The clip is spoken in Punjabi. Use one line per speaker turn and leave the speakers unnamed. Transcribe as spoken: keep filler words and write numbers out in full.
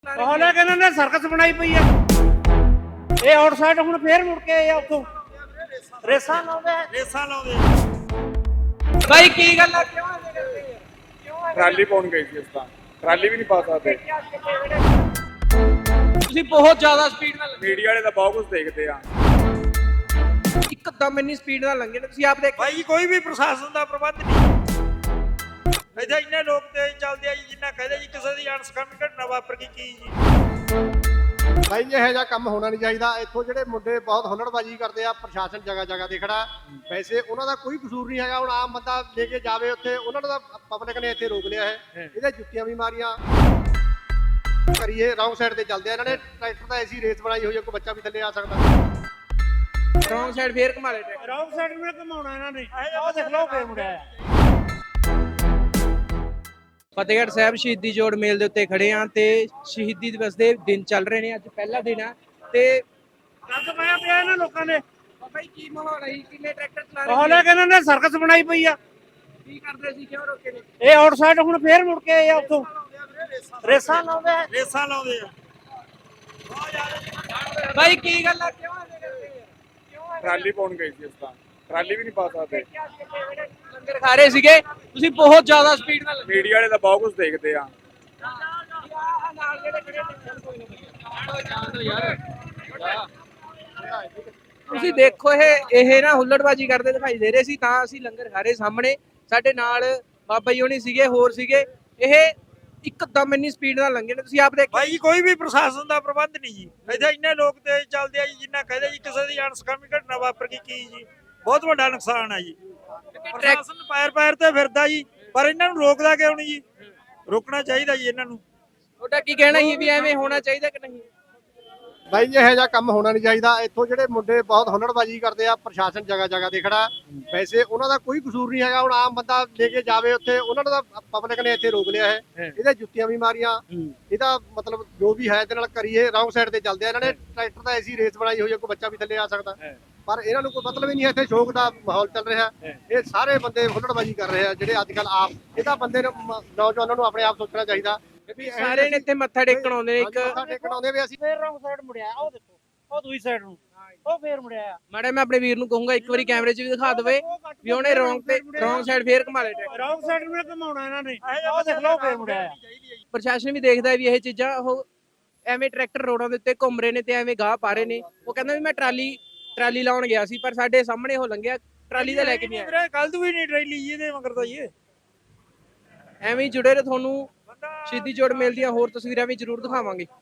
ਹਾਲੇ ਕਿ ਇਹਨਾਂ ਨੇ ਸਰਕਸ ਬਣਾਈ ਪਈ ਆ। ਇਹ ਆਊਟਸਾਈਡ ਹੁਣ ਫੇਰ ਮੁੜ ਕੇ ਆ ਉੱਥੋਂ ਰੇਸਾਂ ਲਾਉਂਦੇ
ਰੇਸਾਂ ਲਾਉਂਦੇ
ਭਾਈ ਕੀ ਗੱਲ ਆ ਕਿਉਂ ਐਵੇਂ ਕਰਦੇ ਆ ਕਿਉਂ
ਟਰਾਲੀ ਪਾਉਣ ਗਈ ਸੀ ਇਸ ਤਾਂ ਟਰਾਲੀ ਵੀ ਨਹੀਂ ਪਾ ਸਕਦੇ।
ਤੁਸੀਂ ਬਹੁਤ ਜ਼ਿਆਦਾ ਸਪੀਡ ਨਾਲ
ਮੀਡੀਆ ਵਾਲੇ ਤਾਂ ਬਹੁਤ ਕੁਝ ਦੇਖਦੇ ਆ।
ਇੱਕਦਮ ਇੰਨੀ ਸਪੀਡ ਨਾਲ ਲੰਘੇ ਨੇ ਤੁਸੀਂ ਆਪ ਦੇਖ
ਭਾਈ ਕੋਈ ਵੀ ਪ੍ਰਸ਼ਾਸਨ ਦਾ ਪ੍ਰਬੰਧ ਨਹੀਂ। ਇੱਥੇ ਇੰਨੇ ਲੋਕ ਤੇਜ਼ ਚੱਲਦੇ ਆ ਜੀ, ਜਿੰਨਾ ਕਹਦੇ ਜੀ ਕਿਸੇ ਦੀ ਅਣਸਖਾਮੀ ਘਟਨਾ ਵਾਪਰ ਗਈ ਕੀ ਜੀ।
ਭਾਈ ਇਹੋ ਜਿਹਾ ਕੰਮ ਹੋਣਾ ਨਹੀਂ ਚਾਹੀਦਾ। ਇੱਥੋਂ ਜਿਹੜੇ ਮੁੰਡੇ ਬਹੁਤ ਹੁੱਲੜਬਾਜ਼ੀ ਕਰਦੇ ਆ, ਪ੍ਰਸ਼ਾਸਨ ਜਗ੍ਹਾ ਜਗ੍ਹਾ ਤੇ ਖੜਾ। ਵੈਸੇ ਉਹਨਾਂ ਦਾ ਕੋਈ ਕਸੂਰ ਨਹੀਂ ਹੈਗਾ। ਹੁਣ ਆਮ ਬੰਦਾ ਲੈ ਕੇ ਜਾਵੇ ਉੱਥੇ, ਉਹਨਾਂ ਦਾ ਪਬਲਿਕ ਨੇ ਇੱਥੇ ਰੋਕ ਲਿਆ ਹੈ। ਇਹਦੇ ਜੁੱਤੀਆਂ ਵੀ ਮਾਰੀਆਂ ਕਰੀਏ। ਰੌਂਗ ਸਾਈਡ ਤੇ ਚੱਲਦੇ ਆ ਇਹਨਾਂ ਨੇ। ਟਰੈਕਟਰ ਤਾਂ ਐਸੀ ਰੇਸ ਬਣਾਈ ਹੋਈ ਹੈ, ਕੋਈ ਬੱਚਾ ਵੀ ਥੱਲੇ ਆ ਸਕਦਾ।
ਰੌਂਗ ਸਾਈਡ ਫੇਰ ਘੁਮਾ ਲੈ ਟਰੈਕਟਰ।
ਰੌਂਗ ਸਾਈਡ ਨੂੰ ਘਮਾਉਣਾ ਇਹਨਾਂ ਨੇ। ਉਹ ਦੇਖ ਲਓ ਫੇਰ ਮੁੜਿਆ
ਫਤਿਹਗੜ੍ਹ ਸਾਹਿਬ ਸ਼ਹੀਦੀ ਜੋੜ ਮੇਲ ਦੇ ਉੱਤੇ ਖੜੇ ਆ ਤੇ ਸ਼ਹੀਦੀ ਦਿਵਸ ਦੇ ਦਿਨ ਚੱਲ ਰਹੇ ਨੇ। ਅੱਜ ਪਹਿਲਾ ਦਿਨ ਆ ਤੇ
ਕੱਦ ਪਾਇਆ ਪਿਆ ਇਹਨਾਂ ਲੋਕਾਂ ਨੇ।
ਭਾਈ ਕੀ ਮਾਹੌਲ ਹੈ? ਕਿੰਨੇ ਟਰੈਕਟਰ ਚਲਾ ਰਹੇ
ਹਾਲੇ ਕਿ ਇਹਨਾਂ ਨੇ ਸਰਕਸ ਬਣਾਈ ਪਈ ਆ।
ਕੀ ਕਰਦੇ ਸੀ? ਕਿਉਂ ਰੋਕੇ ਨੇ?
ਇਹ ਆਊਟਸਾਈਡ ਹੁਣ ਫੇਰ ਮੁੜ ਕੇ ਆ ਉੱਥੋਂ ਰੇਸਾਂ ਲਾਉਂਦੇ
ਰੇਸਾਂ ਲਾਉਂਦੇ ਆ
ਭਾਈ ਕੀ ਗੱਲ ਆ ਕਿਉਂ ਐਵੇਂ ਕਰਦੇ ਆ ਕਿਉਂ
ਟਰਾਲੀ ਪਾਉਣ ਗਈ ਸੀ ਇਸ ਤਾਂ ਟਰਾਲੀ ਵੀ ਨਹੀਂ ਪਾ ਸਕਦੇ।
ਲੰਗਰ ਖਾ ਰਹੇ ਸੀਗੇ ਤੁਸੀਂ ਬਹੁਤ ਜ਼ਿਆਦਾ ਸਪੀਡ ਨਾਲ
ਮੀਡੀਆ ਵਾਲੇ ਤਾਂ ਬਹੁਤ ਕੁਝ ਦੇਖਦੇ ਆ।
ਤੁਸੀਂ ਦੇਖੋ ਇਹ ਇਹ ਨਾ ਹੁੱਲੜਬਾਜੀ ਕਰਦੇ ਦਿਖਾਈ ਦੇ ਰਹੇ ਸੀ ਤਾਂ ਅਸੀਂ ਲੰਗਰ ਖਾ ਰਹੇ ਸਾਹਮਣੇ। ਸਾਡੇ ਨਾਲ ਬਾਬਾ ਜੀ ਹੋਣੀ ਸੀਗੇ, ਹੋਰ ਸੀਗੇ। ਇਹ ਇੱਕਦਮ ਇੰਨੀ ਸਪੀਡ ਨਾਲ ਲੰਘੇ ਨੇ ਤੁਸੀਂ ਆਪ ਦੇਖ
ਭਾਈ ਕੋਈ ਵੀ ਪ੍ਰਸ਼ਾਸਨ ਦਾ ਪ੍ਰਬੰਧ ਨਹੀਂ ਜੀ। ਇੱਥੇ ਇੰਨੇ ਲੋਕ ਤੇਜ਼ ਚੱਲਦੇ ਆ ਜੀ, ਜਿੰਨਾ ਕਹਦੇ ਜੀ ਕਿਸੇ ਦੀ ਅਣਸਖਾਮੀ ਘਟਨਾ ਵਾਪਰ ਗਈ ਕੀ ਜੀ। ਬਹੁਤ ਵੱਡਾ ਨੁਕਸਾਨ ਆ ਜੀ। ਪ੍ਰਸ਼ਾਸਨ ਪੈਰ ਪੈਰ ਤੇ ਫਿਰਦਾ ਜੀ, ਪਰ ਇਹਨਾਂ ਨੂੰ ਰੋਕਦਾ ਕਿਉਂ ਨਹੀਂ ਜੀ? ਰੋਕਣਾ ਚਾਹੀਦਾ ਜੀ ਇਹਨਾਂ ਨੂੰ।
ਤੁਹਾਡਾ ਕੀ ਕਹਿਣਾ ਸੀ ਵੀ ਐਵੇਂ ਹੋਣਾ ਚਾਹੀਦਾ ਕਿ ਨਹੀਂ?
ਭਾਈ ਇਹੋ ਜਿਹਾ ਕੰਮ ਹੋਣਾ ਨਹੀਂ ਚਾਹੀਦਾ। ਇੱਥੋਂ ਜਿਹੜੇ ਮੁੰਡੇ ਬਹੁਤ ਹੁੱਲੜਬਾਜ਼ੀ ਕਰਦੇ ਆ, ਪ੍ਰਸ਼ਾਸਨ ਜਗ੍ਹਾ ਜਗ੍ਹਾ ਤੇ ਖੜਾ। ਵੈਸੇ ਉਹਨਾਂ ਦਾ ਕੋਈ ਕਸੂਰ ਨਹੀਂ ਹੈਗਾ। ਹੁਣ ਆਮ ਬੰਦਾ ਲੈ ਕੇ ਜਾਵੇ ਉੱਥੇ, ਉਹਨਾਂ ਦਾ ਪਬਲਿਕ ਨੇ ਇੱਥੇ ਰੋਕ ਲਿਆ ਹੈ। ਇਹਦੇ ਜੁੱਤੀਆਂ ਵੀ ਮਾਰੀਆਂ। ਇਹਦਾ ਮਤਲਬ ਜੋ ਵੀ ਹੈ ਇਹਦੇ ਨਾਲ ਕਰੀਏ। ਰੌਂਗ ਸਾਈਡ ਤੇ ਚੱਲਦੇ ਆ ਇਹਨਾਂ ਨੇ। ਟਰੈਕਟਰ ਤਾਂ ਐਸੀ ਰੇਸ ਬਣਾਈ ਹੋਈ ਹੈ, ਕੋਈ ਬੱਚਾ ਵੀ ਥੱਲੇ ਆ ਸਕਦਾ। ਪਰ ਇਹਨਾਂ ਨੂੰ ਕੋਈ ਮਤਲਬ ਹੀ ਨਹੀਂ ਹੈ। ਇੱਥੇ ਸ਼ੌਕ ਦਾ ਮਾਹੌਲ ਚੱਲ ਰਿਹਾ। ਇਹ ਸਾਰੇ ਬੰਦੇ ਹੁੱਲੜਬਾਜ਼ੀ ਕਰ ਰਹੇ ਆ ਜਿਹੜੇ ਅੱਜ ਕੱਲ ਆਪ। ਇਹਦਾ ਬੰਦੇ ਨੂੰ ਨੌਜਵਾਨਾਂ ਨੂੰ ਆਪਣੇ ਆਪ ਸੋਚਣਾ ਚਾਹੀਦਾ ਵੀ
ਸਾਰੇ ਨੇ ਇੱਥੇ ਮੱਥਾ ਟੇਕਣ ਆਉਂਦੇ ਨੇ। ਇੱਕ
ਮੱਥਾ ਟੇਕਣ ਆਉਂਦੇ ਵੀ ਅਸੀਂ
ਫੇਰ ਰੌਂਗ ਸਾਈਡ ਮੁੜਿਆ। ਉਹ ਦੇਖੋ ਉਹ ਦੂਜੀ ਸਾਈਡ ਨੂੰ ਉਹ ਫੇਰ ਮੁੜਿਆ।
ਮਾੜਾ ਮੈਂ ਆਪਣੇ ਵੀਰ ਨੂੰ ਕਹੂੰਗਾ ਇੱਕ ਵਾਰੀ ਕੈਮਰੇ 'ਚ ਵੀ ਦਿਖਾ ਦੇਵੇ ਵੀ ਉਹਨੇ ਰੌਂਗ ਤੇ ਰੌਂਗ ਸਾਈਡ ਫੇਰ ਘੁਮਾ ਲੈ ਟਰੈਕਟਰ।
ਰੌਂਗ ਸਾਈਡ ਨੂੰ ਘਮਾਉਣਾ ਇਹਨਾਂ ਨੇ। ਉਹ ਦੇਖ ਲਓ ਫੇਰ ਮੁੜਿਆ।
ਪ੍ਰਸ਼ਾਸਨ ਵੀ ਦੇਖਦਾ ਵੀ ਇਹ ਚੀਜ਼ਾਂ ਉਹ ਐਵੇਂ ਟਰੈਕਟਰ ਰੋਡਾਂ ਦੇ ਉੱਤੇ ਘੁੰਮ ਰਹੇ ਨੇ ਤੇ ਐਵੇਂ ਗਾਹ ਪਾ ਰਹੇ ਨੇ। ਉਹ ਕਹਿੰਦਾ ਵੀ ਮੈਂ ਟਰਾਲੀ ਟਰਾਲੀ ਲਾਉਣ ਗਿਆ ਸੀ ਪਰ ਸਾਡੇ ਸਾਹਮਣੇ ਉਹ ਲੰਘਿਆ, ਟਰਾਲੀ ਦਾ ਲੈ ਕੇ ਨਹੀਂ ਆਇਆ।
ਕੱਲ ਤੋਂ ਵੀ ਨਹੀਂ ਟਰੇਲੀ ਇਹਦੇ ਮਗਰ ਤਾਂ ਇਹ
ਐਵੇਂ ਹੀ ਜੁੜੇ ਰਹੋ। ਤੁਹਾਨੂੰ ਸ਼ਹੀਦੀ ਜੋੜ ਮੇਲ ਦੀਆਂ ਹੋਰ ਤਸਵੀਰਾਂ ਵੀ ਜ਼ਰੂਰ ਦਿਖਾਵਾਂਗੇ।